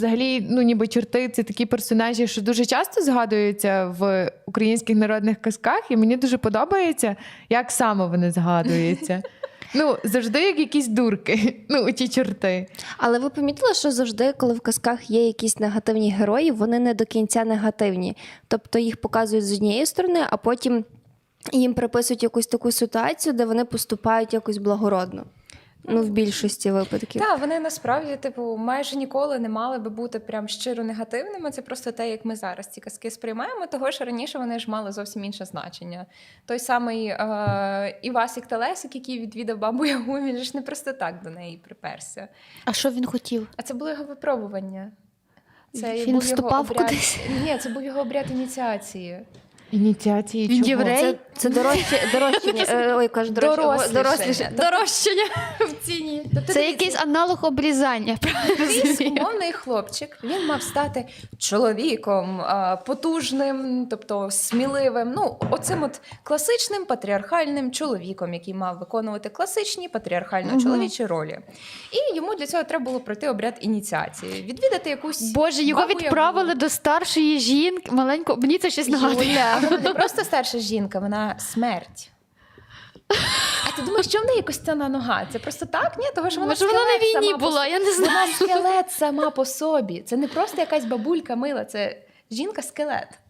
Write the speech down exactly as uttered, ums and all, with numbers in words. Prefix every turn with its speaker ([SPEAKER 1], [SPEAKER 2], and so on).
[SPEAKER 1] Взагалі, ну ніби чорти – це такі персонажі, що дуже часто згадуються в українських народних казках, і мені дуже подобається, як саме вони згадуються. Ну, завжди як якісь дурки, ну, ті чорти.
[SPEAKER 2] Але ви помітили, що завжди, коли в казках є якісь негативні герої, вони не до кінця негативні. Тобто їх показують з однієї сторони, а потім їм приписують якусь таку ситуацію, де вони поступають якось благородно. Ну, в більшості випадків.
[SPEAKER 3] Так, вони насправді, типу, майже ніколи не мали би бути прям щиро негативними. Це просто те, як ми зараз ці казки сприймаємо, того що раніше вони ж мали зовсім інше значення. Той самий е- Івасик Телесик, який відвідав бабу Ягу, він ж не просто так до неї приперся.
[SPEAKER 4] А що він хотів?
[SPEAKER 3] А це було його випробування. Це
[SPEAKER 4] Він
[SPEAKER 3] був
[SPEAKER 4] вступав
[SPEAKER 3] його обряд...
[SPEAKER 4] кудись?
[SPEAKER 3] Ні, це був його обряд ініціації.
[SPEAKER 1] Ініціації
[SPEAKER 4] Він
[SPEAKER 1] чого?
[SPEAKER 4] єврей?
[SPEAKER 2] Це, це дорожче, дорожчання. е, Ой, кажу, дорожче,
[SPEAKER 3] Дорослішання.
[SPEAKER 2] доросліше.
[SPEAKER 4] Дорожчання в ціні.
[SPEAKER 3] Тобто,
[SPEAKER 4] Це
[SPEAKER 3] дивіться,
[SPEAKER 4] якийсь аналог обрізання.
[SPEAKER 3] якийсь умовний хлопчик, він мав стати чоловіком, а, потужним, тобто сміливим, ну, оцим от класичним патріархальним чоловіком, який мав виконувати класичні патріархально-чоловічі ролі. І йому для цього треба було пройти обряд ініціації, відвідати якусь
[SPEAKER 4] Боже, його
[SPEAKER 3] бабу-ягу.
[SPEAKER 4] відправили до старшої жінки, маленького, мені це щось нагадує.
[SPEAKER 3] Юля, вона не просто старша жінка, вона смерть. А ти думаєш, що в неї костяна нога? Це просто так? Ні, того що вона
[SPEAKER 4] Може, вона на
[SPEAKER 3] скелет
[SPEAKER 4] війні
[SPEAKER 3] сама по
[SPEAKER 4] була,
[SPEAKER 3] собі.
[SPEAKER 4] я не знаю.
[SPEAKER 3] Вона скелет сама по собі. Це не просто якась бабулька мила, це жінка-скелет.